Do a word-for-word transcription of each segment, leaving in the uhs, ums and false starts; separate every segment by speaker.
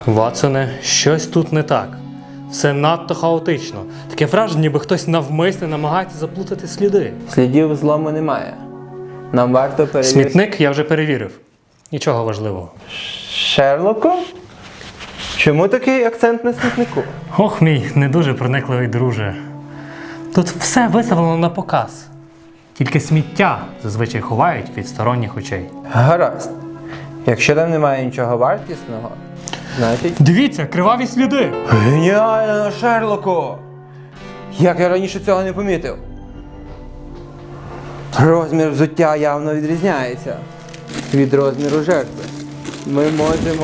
Speaker 1: Ватсоне, щось тут не так. Все надто хаотично. Таке враження, ніби хтось навмисне намагається заплутати сліди.
Speaker 2: Слідів злому немає. Нам варто перевірити...
Speaker 1: Смітник я вже перевірив. Нічого важливого.
Speaker 2: Шерлоку? Чому такий акцент на смітнику?
Speaker 1: Ох, мій не дуже проникливий друже. Тут все виставлено на показ. Тільки сміття зазвичай ховають від сторонніх очей.
Speaker 2: Гаразд. Якщо там немає нічого вартісного, значить...
Speaker 1: Дивіться, криваві сліди!
Speaker 2: Геніально, Шерлоку! Як я раніше цього не помітив. Розмір взуття явно відрізняється від розміру жертви. Ми можемо...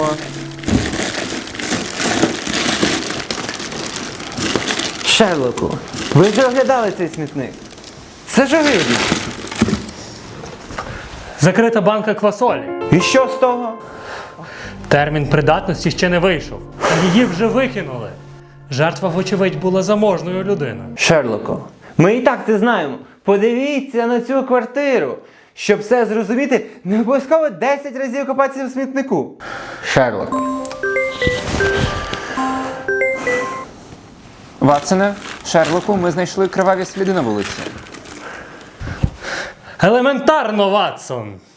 Speaker 2: Шерлоку, ви вже оглядали цей смітник? Це ж огидно.
Speaker 1: Закрита банка квасолі.
Speaker 2: І що з того?
Speaker 1: Термін придатності ще не вийшов. Її вже викинули. Жертва, вочевидь, була заможною людиною.
Speaker 2: Шерлоку, ми і так це знаємо. Подивіться на цю квартиру. Щоб все зрозуміти, не обов'язково десять разів копатися в смітнику. Шерлок.
Speaker 3: Ватсоне, Шерлоку, ми знайшли криваві сліди на вулиці.
Speaker 1: Елементарно, Ватсон!